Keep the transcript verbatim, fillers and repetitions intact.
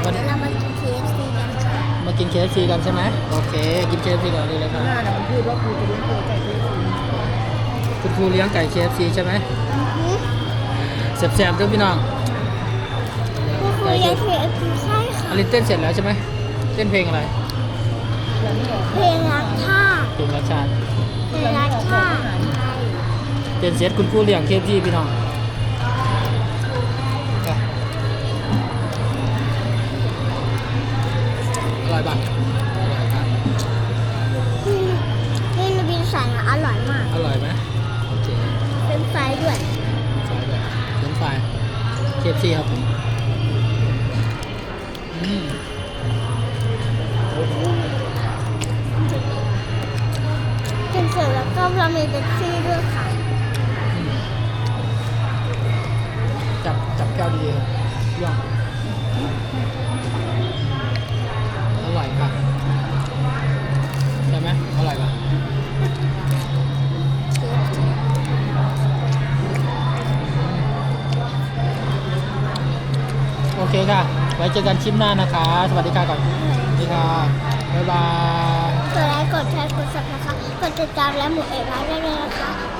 วันนี้เรามากิน เค เอฟ ซี กันค่ะมากิน เค เอฟ ซี กันใช่ไหมโอเคกิน เค เอฟ ซี ก่อนดีเลยครับหน้าน่ะมันพูดว่าครูจะเลี้ยงตัวไก่เคเอฟซีคุณครูเลี้ยงไก่ เค เอฟ ซี ใช่ไหมอือฮึแซ่บๆด้วยพี่น้องก็คือเรียน เค เอฟ ซี ใช่ค่ะอลินเต้นเสร็จแล้วใช่ไหมเต้นเพลงอะไรยังไม่ออกเพลงรักท่าเพลงรัชชาติเพลงรักท่าใช่เต้นเสร็จคุณครูเลี้ยง เค เอฟ ซี พี่น้องอ่ะอร่อยปะอร่อยครับนี่นี่ลูบินสันอะอร่อยมากอร่อยไหมโอเคเป็นไฟด้วยไฟแบบเลี้ยงไฟ เค เอฟ ซี ครับผมอืมกินเสร็จแล้วก็เรามีเบปซี่ด้วยค่ะอืมจับจับแก้วดีๆครับย่องอร่อยค่ะใช่ไหมอร่อยปะโอเคค่ะ ไว้เจอกันคลิปหน้านะคะ สวัสดีค่ะก่อน สวัสดีค่ะ บ๊ายบายกดไลค์กดแชร์กดซับนะคะกดติดตามและหมูเอกร้านได้เลยนะคะ